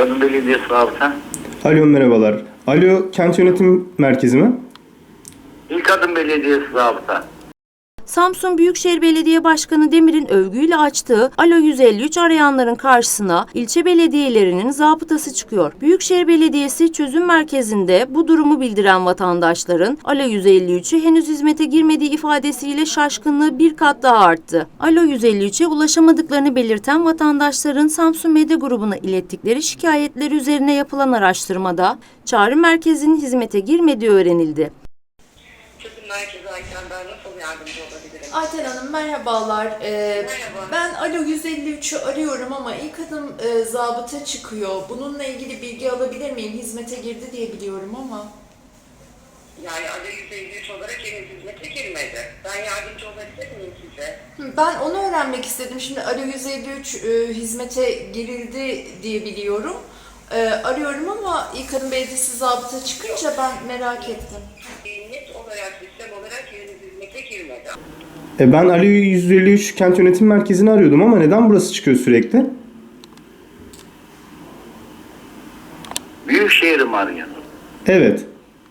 Kadın Belediyesi Rabıta. Alo merhabalar. Alo Kent Yönetim Merkezi mi? İlk Kadın Belediyesi Rabıta. Samsun Büyükşehir Belediye Başkanı Demir'in övgüyle açtığı Alo 153 arayanların karşısına ilçe belediyelerinin zabıtası çıkıyor. Büyükşehir Belediyesi çözüm merkezinde bu durumu bildiren vatandaşların Alo 153'ü henüz hizmete girmediği ifadesiyle şaşkınlığı bir kat daha arttı. Alo 153'e ulaşamadıklarını belirten vatandaşların Samsun Medya Grubu'na ilettikleri şikayetler üzerine yapılan araştırmada çağrı merkezinin hizmete girmediği öğrenildi. Çözüm merkezi Ayten, ben nasıl yardımcı olabilirim? Ayten Hanım merhabalar. Merhaba. Ben Alo 153'ü arıyorum ama ilk adım zabıta çıkıyor. Bununla ilgili bilgi alabilir miyim? Hizmete girdi diye biliyorum ama. Yani Alo 153 olarak henüz hizmete girmedi. Ben yardımcı olabilir miyim size? Ben onu öğrenmek istedim. Şimdi Alo 153 hizmete girildi diye biliyorum. Arıyorum ama ilk adım belediyesi zabıta çıkınca ben merak ettim. Net olarak, sistem olarak henüz hizmete girmedi. Ben Alo 153 Kent Yönetim Merkezi'ni arıyordum ama neden burası çıkıyor sürekli? Büyükşehir'i mi arıyorsun? Evet.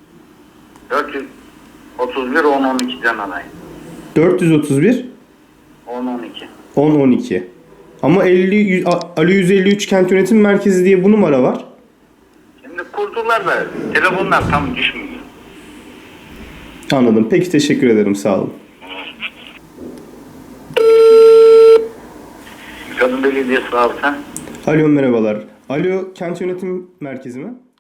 431 1012'den arayın. 431 1012. 1012. Ama Alo 153 Kent Yönetim Merkezi diye bu numara var. Şimdi kurdular da telefonlar tam düşmüyor. Anladım. Peki teşekkür ederim. Sağ olun. Kadın Belediyesi Rabıta. Alo merhabalar. Alo Kent Yönetim Merkezi mi?